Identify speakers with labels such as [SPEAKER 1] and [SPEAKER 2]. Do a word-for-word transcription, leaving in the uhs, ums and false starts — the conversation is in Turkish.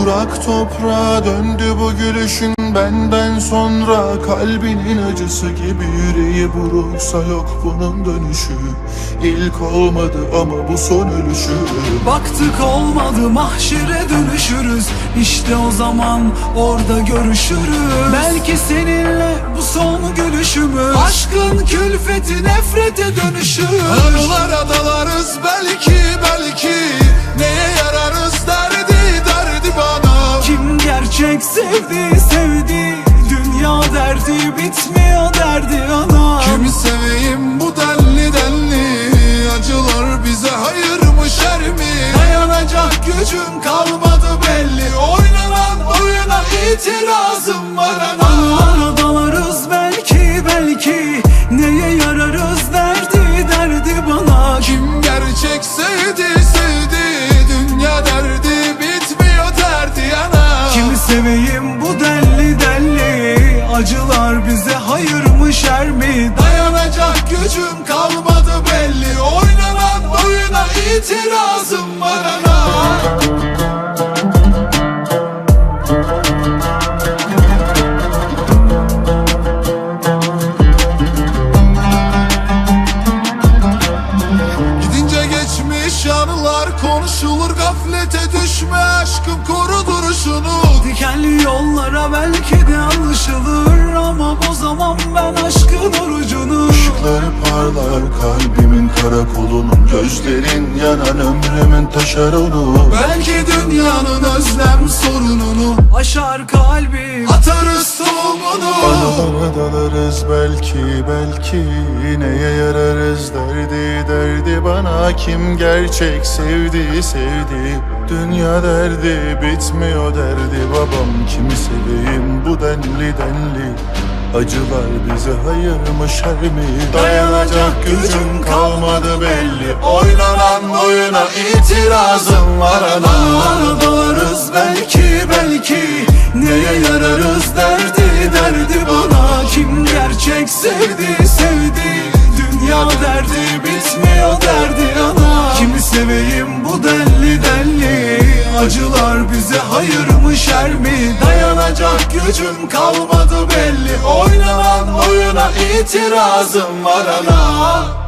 [SPEAKER 1] Kurak toprağa döndü bu gülüşün benden sonra. Kalbinin acısı gibi yüreği buruksa yok bunun dönüşü. İlk olmadı ama bu son ölüşü.
[SPEAKER 2] Baktık olmadı, mahşere dönüşürüz. İşte o zaman orada görüşürüz. Belki seninle bu son gülüşümüz. Aşkın külfeti nefrete dönüşür.
[SPEAKER 1] Aralara dalarız belki belki. Neye yararız derdi derdi bana.
[SPEAKER 2] Kim gerçek sevdi sevdi. Dünya derdi bitmiyor derdi ana.
[SPEAKER 1] Kimi seveyim bu denli denli. Acılar bize hayır mı şer mi?
[SPEAKER 2] Dayanacak gücüm kalmadı belli. Oynanan oyuna itirazım var ana. Aralara dalarız belki belki. Neye yararız derdi derdi bana.
[SPEAKER 1] Kim gerçek sevdi sevdi. Dünya derdi bitmiyor derdi yana.
[SPEAKER 2] Kimi seveyim bu delli delli. Acılar bize hayır mı şer mi? Dayanacak gücüm kalmadı belli. Oynanan oyuna itirazım var ana.
[SPEAKER 1] Gidince geçmiş anılar konuşulur. Gaflete düşme aşkım, koru duruşunu.
[SPEAKER 2] Dikenli yollara belki de alışılır. Ama o zaman ben aşkın orucunu.
[SPEAKER 1] Işıkları parlar kalbimin karakolunun. Gözlerin yanan ömrümün taşeronu.
[SPEAKER 2] Belki dünyanın özlem sorununu aşar kalbim, atarız tohumunu.
[SPEAKER 1] Aralara dalarız belki belki. Neye yararız derdi derdi bana. Kim gerçek sevdi sevdi. Dünya derdi bitmiyor derdi babam. Kimi seveyim bu denli denli. Acılar bize hayır mı şer mi? Dayanacak gücüm kalmadı belli. Oynanan oyuna itirazım var ana.
[SPEAKER 2] Aralara dalarız belki belki. Neye yararız derdi derdi bana. Kim gerçek sevdi sevdi. Dünya derdi bitmiyor derdi ana. Kimi seveyim bu denli denli. Acılar bize hayır mı şer mi? Dayanacak gücüm kalmadı belli. Oynanan oyuna itirazım var ana.